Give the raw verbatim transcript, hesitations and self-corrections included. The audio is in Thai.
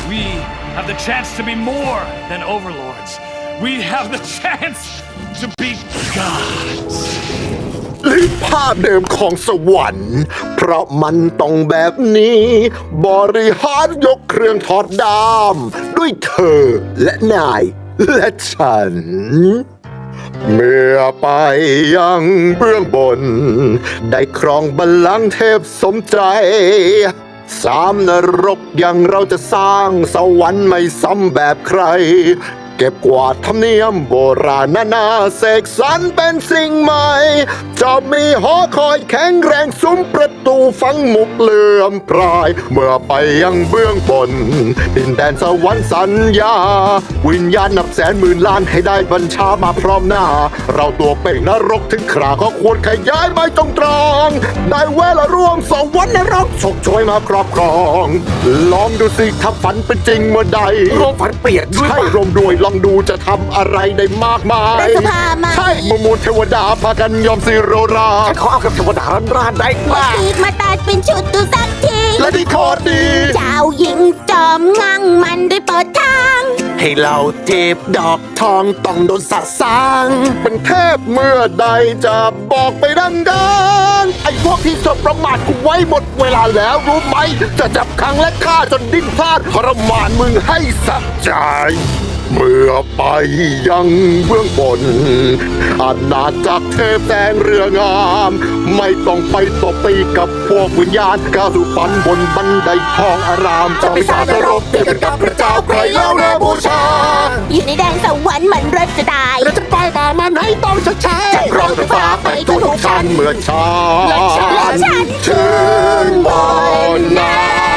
We have the chance to be more than overlords. We have the chance to be gods. ลิภาพเดิมของสวรรค์เพราะมันต้องแบบนี้ บริหารยกเครื่องถอดดามด้วยเธอและนายและฉัน เมื่อไปยังเบื้องบน ได้ครองบัลลังก์เทพสมใจ สามนรกยังเราจะสร้างสวรรค์ไม่ซ้ำแบบใคร เก็บกวาดธรรมเนียมโบราณนานาเสกสรรเป็นสิ่งใหม่ จะมีหอคอยแข็งแรงซุ้มประตูฝังมุกเลื่อมพราย เมื่อไปยังเบื้องบน ดินแดนสวรรค์สัญญา วิญญาณนับแสนหมื่นล้านให้ได้บัญชามาพร้อมหน้า เราตัวเป่งนรกถึงคราก็ควรขยายไม้ตรงตรองได้เวลาร่วมสวรรค์นรกฉกช่วยมาครอบครอง ลองดูสิถ้าฝันเป็นจริงเมื่อใดรวมฝันเปียกด้วยใช่รวมด้วยลองดูจะทำอะไรได้มากมายเป็นสภามาใช่มมูลเทวดาพากันยอมสิโรราฉันขอเอากับเทวดาร้านรานได้มากตีกมาตัดเป็นชุดดูสักทีและที่โคตรดีเจ้าหญิงจอมงั่งมันได้เปิดทางให้เราเทพดอกทองต้องโดนสะสางเป็นเทพเมื่อใดจะบอกไปดังๆไอ้พวกที่สบประมาทกูไว้หมดเวลาแล้วรู้ไหม จะจับขังและฆ่าจนดิ้นพลาดทรมานมึงให้สะใจ เมื่อไปยังเบื้องบน อาณาจักรเทพแสงเรืองาม ไม่ต้องไปตบตีกับพวกวิญญาณก้าวสู่ฝันบนบันไดทองอารามจะไปสาดรกเดียวกันกับพระเจ้าใครเล่าแน่บูชาอยู่ในแดนสวรรค์มันเริ่มจะได้เราจะไปป่ามันให้ต้องชดใช้จะครองไฟฟ้าไปทุกชั้นเมื่อชาและฉันถึงบนน้ำ